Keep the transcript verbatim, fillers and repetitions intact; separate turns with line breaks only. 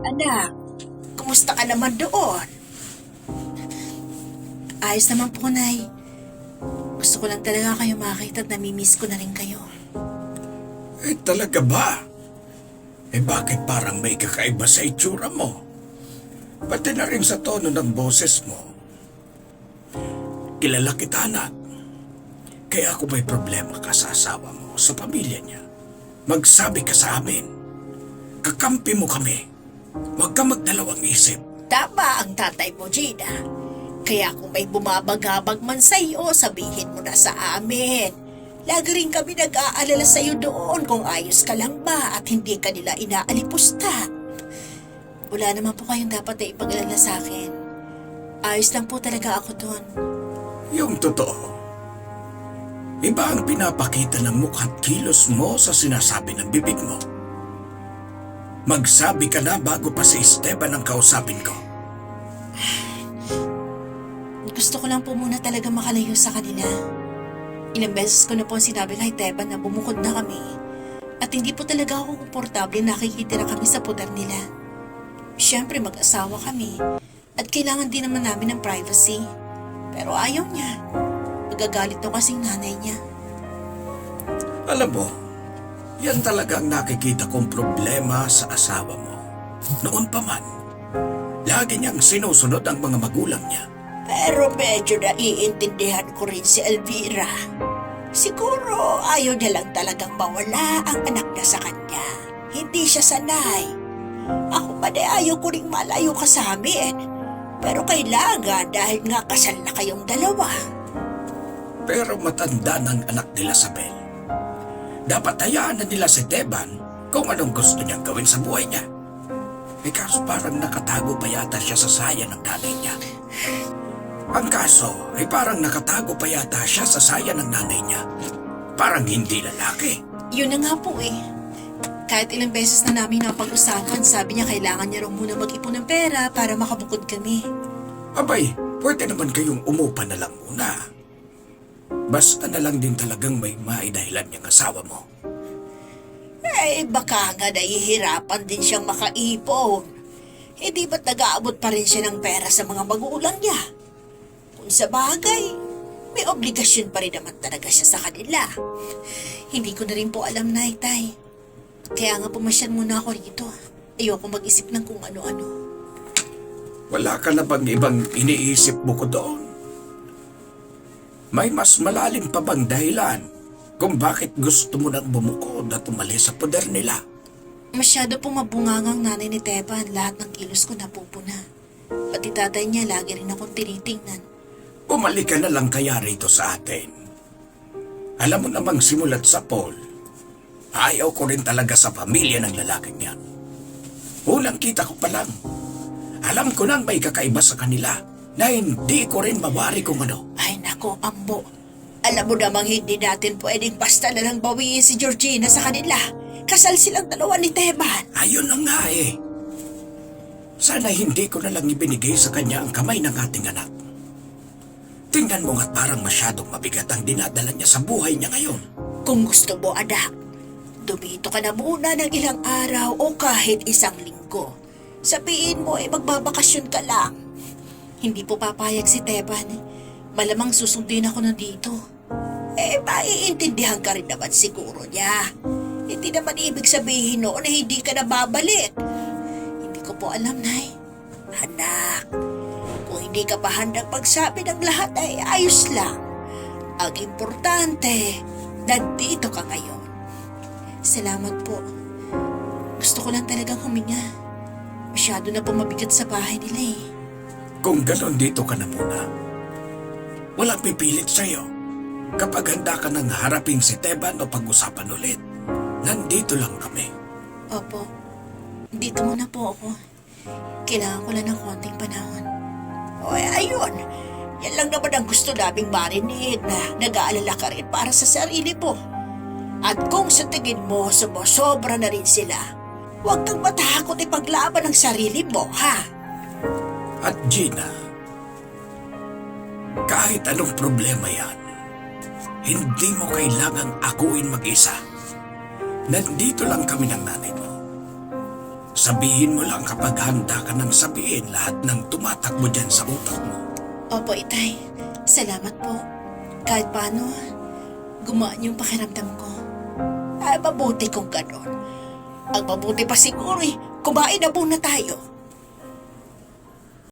Anak, kumusta ka naman doon? Ayos naman po, Nay. Gusto ko lang talaga kayo makita at namimiss ko na rin kayo.
Eh talaga ba? Eh bakit parang may kakaiba sa itsura mo? Pati na rin sa tono ng boses mo. Kilala kita, anak. Kaya kung may problema ka sa asawa mo, sa pamilya niya, magsabi ka sa amin. Kakampi mo kami. Huwag ka magdalawang isip.
Tama ang tatay mo, Gina. Kaya kung may bumabagabag man sa iyo, sabihin mo na sa amin. Lagi rin kami nag-aalala sa iyo doon kung ayos ka lang ba at hindi ka nila inaalipusta. Wala naman po kayong dapat na ipag-alala sa akin. Ayos lang po talaga ako doon.
Yung totoo. Iba ang pinapakita ng mukha't kilos mo sa sinasabi ng bibig mo. Magsabi ka na bago pa si Esteban ang kausapin ko.
Gusto ko lang po muna talaga makalayo sa kanila. Ilang beses ko na po sinabi kay Teban na bumukod na kami at hindi po talaga ako komportable nakikitira kami sa poder nila. Siyempre mag-asawa kami at kailangan din naman namin ng privacy. Pero ayaw niya. Magagalit to kasing nanay niya.
Alam mo, yan talaga ang nakikita kong problema sa asawa mo. Noon pa man, lagi niyang sinusunod ang mga magulang niya.
Pero medyo naiintindihan ko rin si Elvira. Siguro ayaw niya lang talagang mawala ang anak niya sa kanya. Hindi siya sanay. Ako pa na ayaw ko rin malayo ka sa amin. Pero kailangan dahil nga kasal na kayong dalawa.
Pero matanda ng anak nila sa Bel. Dapat hayaan na nila si Teban kung anong gusto niyang gawin sa buhay niya. Eh kaso parang nakatago pa yata siya sa saya ng nanay niya. Ang kaso ay parang nakatago pa yata siya sa saya ng nanay niya. Parang hindi lalaki.
Yun na nga po eh. Kahit ilang beses na namin napag-usapan, sabi niya kailangan niya raw muna mag-ipon ng pera para makabukod kami.
Abay, pwede naman kayong umupa na lang muna. Basta na lang din talagang may maidahilan niyang asawa mo.
Eh, baka nga nahihirapan din siyang makaipon. Hindi ba't nag-aabot pa rin siya ng pera sa mga magulang niya? Kung sa bagay, may obligasyon pa rin naman talaga siya sa kanila. Hindi ko na rin po alam, Nay, Tay. Kaya nga pumasyan muna ako rito. Ayoko mag-isip ng kung ano-ano.
Wala ka na bang ibang iniisip mo ko doon? May mas malalim pa bang dahilan kung bakit gusto mo nang bumukod at umalis sa poder nila?
Masyado pong mabungangang nanay ni Teban, lahat ng kilos ko napupuna. Pati tatay niya lagi rin akong tinitingnan.
Umalik ka na lang kaya rito sa atin. Alam mo namang simulat sa Paul, ayaw ko rin talaga sa pamilya ng lalaking yan. Unang kita ko pa lang, alam ko nang may kakaiba sa kanila na hindi ko rin mawari kung ano.
Ay nako, Ambo. Alam mo namang hindi natin pwedeng basta na lang bawiin si Georgina sa kanila. Kasal silang dalawa ni Teban.
Ayun na nga eh. Sana hindi ko na lang ibinigay sa kanya ang kamay ng ating anak. Tingnan mo nga't parang masyadong mabigat ang dinadala niya sa buhay niya ngayon.
Kung gusto mo, anak, dumito ka na muna ng ilang araw o kahit isang linggo. Sabihin mo eh magbabakasyon ka lang. Hindi po papayag si Teban. Malamang susundin ako na dito. Eh, maiintindihan ka rin naman siguro niya. Hindi naman ibig sabihin noon na hindi ka na babalik. Hindi ko po alam, Nay. Anak, kung hindi ka pa handang magsabi ng lahat ay ayos lang. Ang importante, nandito ka ngayon. Salamat po. Gusto ko lang talagang huminga. Masyado na po mabigat sa bahay nila eh.
Kung ganon dito ka na muna. Walang pipilit sa'yo. Kapag handa ka nang harapin si Teban o pag-usapan ulit, nandito lang kami.
Opo, dito muna po ako. Kailangan ko lang ng konting panahon. O ayun, yan lang naman ang gusto naming marinig na nag-aalala ka rin para sa sarili mo. At kung sa tingin mo sumusobra na rin sila, huwag kang matakot ipaglaban ang sarili mo, ha?
At Gina, kahit anong problema yan, hindi mo kailangang akuin mag-isa. Nandito lang kami ng nanay mo. Sabihin mo lang kapag handa ka nang sabihin lahat ng tumatakbo dyan sa utak mo.
Opo, Itay. Salamat po. Kahit paano, gumaan yung pakiramdam ko. Ay, mabuti kung ganon. Ang mabuti pa siguro eh, kumain na muna tayo.